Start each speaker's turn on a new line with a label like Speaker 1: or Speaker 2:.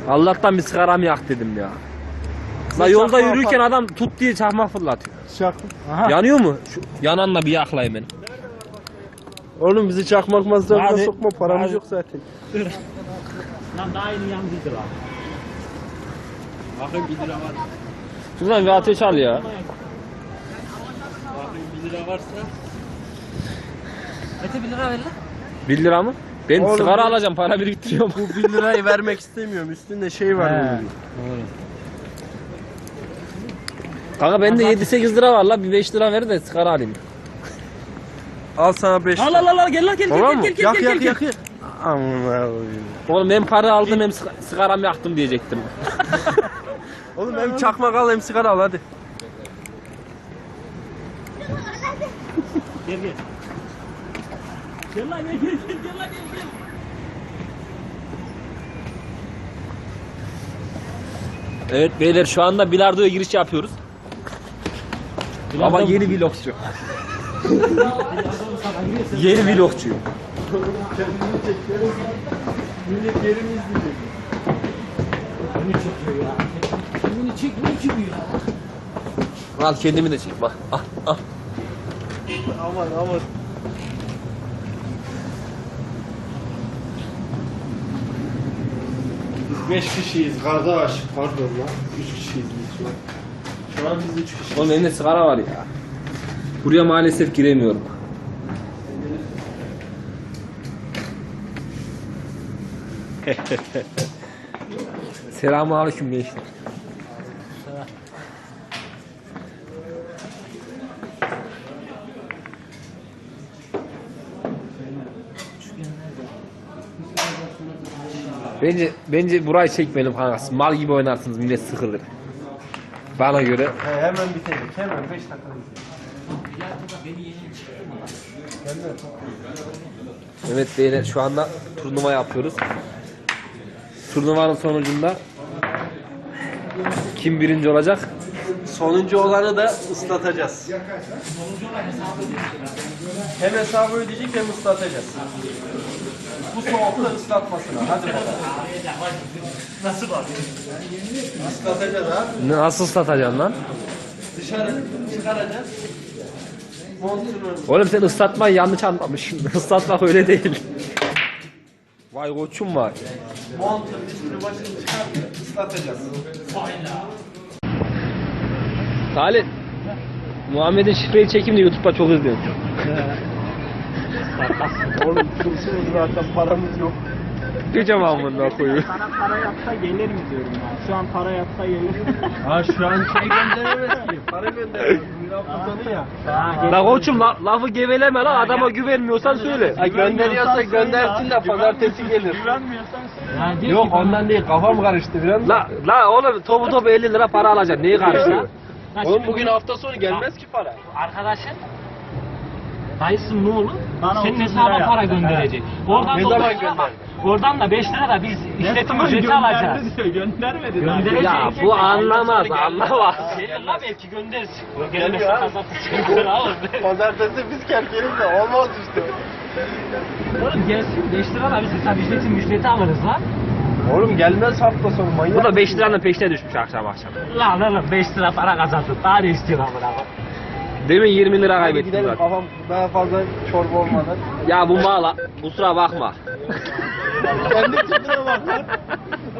Speaker 1: Allah'tan bir sigaramı yak dedim ya. La yolda yürürken adam tut diye çakmak fırlatıyor.
Speaker 2: Aha.
Speaker 1: Yanıyor mu? Şu yananla bir yakla hemen.
Speaker 2: Oğlum bizi çakmak masrafına
Speaker 1: Hadi.
Speaker 2: sokma, paramız
Speaker 1: Hadi.
Speaker 2: yok zaten.
Speaker 3: Lan daha yeni yandıydı lan. Bakayım 1 lira var.
Speaker 1: Şuradan bir ateş al ya.
Speaker 3: Bakayım 1 lira varsa. Mete 1 lira ver lan.
Speaker 1: 1 lira mı? Ben
Speaker 2: Oğlum,
Speaker 1: sigara
Speaker 2: bu-
Speaker 1: alacağım, para biriktiriyorum.
Speaker 2: Bu 1 lirayı vermek istemiyorum. Üstünde şey var bunun.
Speaker 1: Kanka bende 7-8 lira var la, bir 5 lira ver de sigara alayım.
Speaker 2: Al sana 5
Speaker 3: Al al al al gel lan gel
Speaker 1: Tamam mı?
Speaker 3: gel gel
Speaker 2: Yak
Speaker 3: gel
Speaker 2: yak
Speaker 3: gel.
Speaker 2: yak. Aman Allah'ım.
Speaker 1: Oğlum hem para aldım hem sigaramı yaktım diyecektim.
Speaker 2: Oğlum hem çakmak al hem sigara al hadi.
Speaker 3: Gel gel. Gel lan gel gel gel lan gel gel.
Speaker 1: Evet beyler, şu anda bilardoya giriş yapıyoruz. Ama yeni vlogçu. Yeni vlogçu.
Speaker 2: Millet yerimi izleyecek.
Speaker 3: Beni çekiyor ya. Beni çekmiyor ki bu ya.
Speaker 1: Al kendimi de çek bak. Al al.
Speaker 2: Aman aman. Biz 5 kişiyiz kardeş. Pardon lan. 3 kişiyiz biz şu an. Şu an biz 3 kişiyiz.
Speaker 1: Oğlum elimde sigara var ya. Buraya maalesef giremiyorum. Selamünaleyküm gençler. Bence burayı çekmeyelim kankası. Mal gibi oynarsınız, millet sıkılır. Bana göre.
Speaker 2: Hemen bitecek. Hemen 5 dakika bitecek.
Speaker 1: Evet beyler, şu anda turnuva yapıyoruz. Turnuvanın sonucunda kim birinci olacak?
Speaker 2: Sonuncu olanı da ıslatacağız. Hem hesabı ödeyecek hem ıslatacağız. Bu soğukta ıslatmasına. Hadi bakalım.
Speaker 3: Nasıl var?
Speaker 2: Islatacağız abi.
Speaker 1: Nasıl satacaksın lan?
Speaker 2: Dışarı çıkaracağız. Montunu.
Speaker 1: Oğlum sen ıslatmayı yanlış anlamışsın. Islatmak öyle değil. Vay koçum var.
Speaker 2: Montun üstünü başını çıkartıp ıslatacağız.
Speaker 1: Salih. Muhammed'in şifreyi çekeyim de YouTube'da çok izliyorum.
Speaker 2: Oğlum kursunuz zaten paramız yok.
Speaker 1: Diyeceğim amına koyayım.
Speaker 3: Sana para yapsa gelir mi diyorum ya. Şu an para yapsa gelir.
Speaker 2: Ha şu an şey gönderemez ki. Para gönderemez. Münafık sonu ya.
Speaker 1: La koçum lafı geveleme la, adama güvenmiyorsan söyle.
Speaker 2: Ha gönderiyorsa göndersin de pazartesi gelir.
Speaker 3: Güvenmiyorsan söyle.
Speaker 2: Yok ondan değil, kafam karıştı biraz.
Speaker 1: La oğlum topu 50 lira para alacaksın. Neyi karıştırıyorsun?
Speaker 2: Oğlum bugün hafta sonu gelmez ki para.
Speaker 3: Arkadaşın dayısın ne olur?
Speaker 4: Bana
Speaker 3: Senin
Speaker 4: 30
Speaker 3: hesaba
Speaker 4: lira
Speaker 3: para
Speaker 4: yaptı.
Speaker 3: gönderecek. Oradan
Speaker 2: Ne
Speaker 3: da
Speaker 2: zaman
Speaker 3: 30 lira
Speaker 2: gönder?
Speaker 3: Oradan da 5 lira da biz işletim ücreti alacağız.
Speaker 4: Göndermedi.
Speaker 3: Gönderecek.
Speaker 1: Ya bu anlamaz.
Speaker 3: Gelir la belki göndersin. Gelmezse pazartesi gönder oğlum.
Speaker 2: Pazartesi biz kerkeriz de olmaz işte.
Speaker 3: Oğlum gelsin 5 lira da biz hesap işletim ücreti alırız lan.
Speaker 2: Oğlum gelmez hafta sonu manyak.
Speaker 1: Bu da 5 liranın peşine düşmüş akşam.
Speaker 3: Lan oğlum 5 lira para kazandın. Daha ne istiyorsun amına koyayım?
Speaker 1: Demin 20 lira
Speaker 2: Hadi
Speaker 1: kaybettim
Speaker 2: gidelim,
Speaker 1: zaten.
Speaker 2: kafam daha fazla çorba olmadan.
Speaker 1: Ya bu mağla kusura bakma.
Speaker 2: Kendi kendine bak lan.